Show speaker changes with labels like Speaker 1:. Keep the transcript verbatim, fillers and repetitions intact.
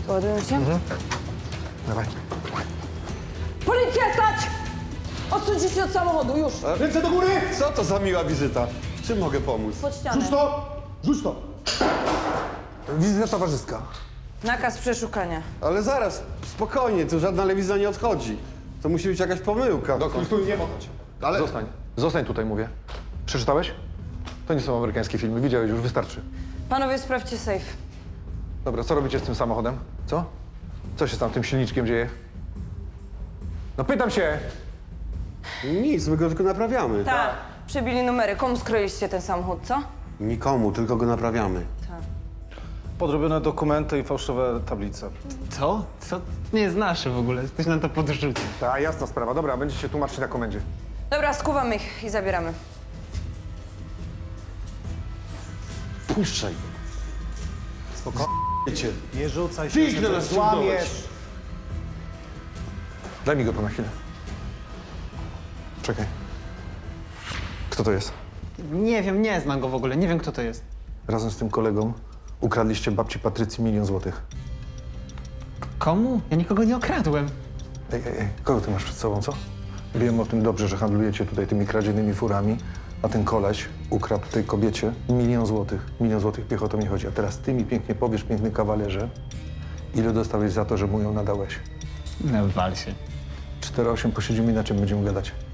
Speaker 1: Ładują się?
Speaker 2: Mhm. Dawaj.
Speaker 1: Policja, stać! Odsuńcie się od samochodu, już!
Speaker 3: Ręce do góry!
Speaker 4: Co to za miła wizyta? Czym mogę pomóc?
Speaker 1: Pod ścianę.
Speaker 3: Rzuć to! Rzuć to!
Speaker 2: Wizyta towarzyska.
Speaker 1: Nakaz przeszukania.
Speaker 4: Ale zaraz, spokojnie, tu żadna lewiza nie odchodzi. To musi być jakaś pomyłka.
Speaker 3: Stój, stój, nie wahać.
Speaker 4: Ale...
Speaker 2: Zostań. Zostań tutaj, mówię. Przeczytałeś? To nie są amerykańskie filmy. Widziałeś już, wystarczy.
Speaker 1: Panowie, sprawdźcie safe.
Speaker 2: Dobra, co robicie z tym samochodem? Co? Co się z tam tym silniczkiem dzieje? No pytam się!
Speaker 4: Nic, my go tylko naprawiamy.
Speaker 1: Tak. Przebili numery. Komu skroiliście ten samochód, co?
Speaker 4: Nikomu, tylko go naprawiamy.
Speaker 5: Podrobione dokumenty i fałszywe tablice.
Speaker 6: Co? Co? Nie jest nasze w ogóle. Ktoś nam to podrzucił.
Speaker 2: Ta, jasna sprawa. Dobra, będziecie się tłumaczyć na komendzie.
Speaker 1: Dobra, skuwamy ich i zabieramy.
Speaker 4: Puszczaj. Wiecie,
Speaker 5: Nie rzucaj się,
Speaker 4: Piękne
Speaker 5: że
Speaker 4: nas
Speaker 5: coś złamiesz.
Speaker 4: ciągnąłeś.
Speaker 2: Daj mi go tu na chwilę. Czekaj. Kto to jest?
Speaker 6: Nie wiem, nie znam go w ogóle. Nie wiem, kto to jest.
Speaker 2: Razem z tym kolegą ukradliście babci Patrycji milion złotych.
Speaker 6: Komu? Ja nikogo nie okradłem.
Speaker 2: Ej, ej, ej, kogo ty masz przed sobą, co? Wiem o tym dobrze, że handlujecie tutaj tymi kradzionymi furami, a ten koleś ukradł tej kobiecie milion złotych. Milion złotych, piech o to mi chodzi. A teraz ty mi pięknie powiesz, piękny kawalerze, ile dostałeś za to, że mu ją nadałeś?
Speaker 6: No, wal się.
Speaker 2: cztery osiem posiedzimy, na czym będziemy gadać?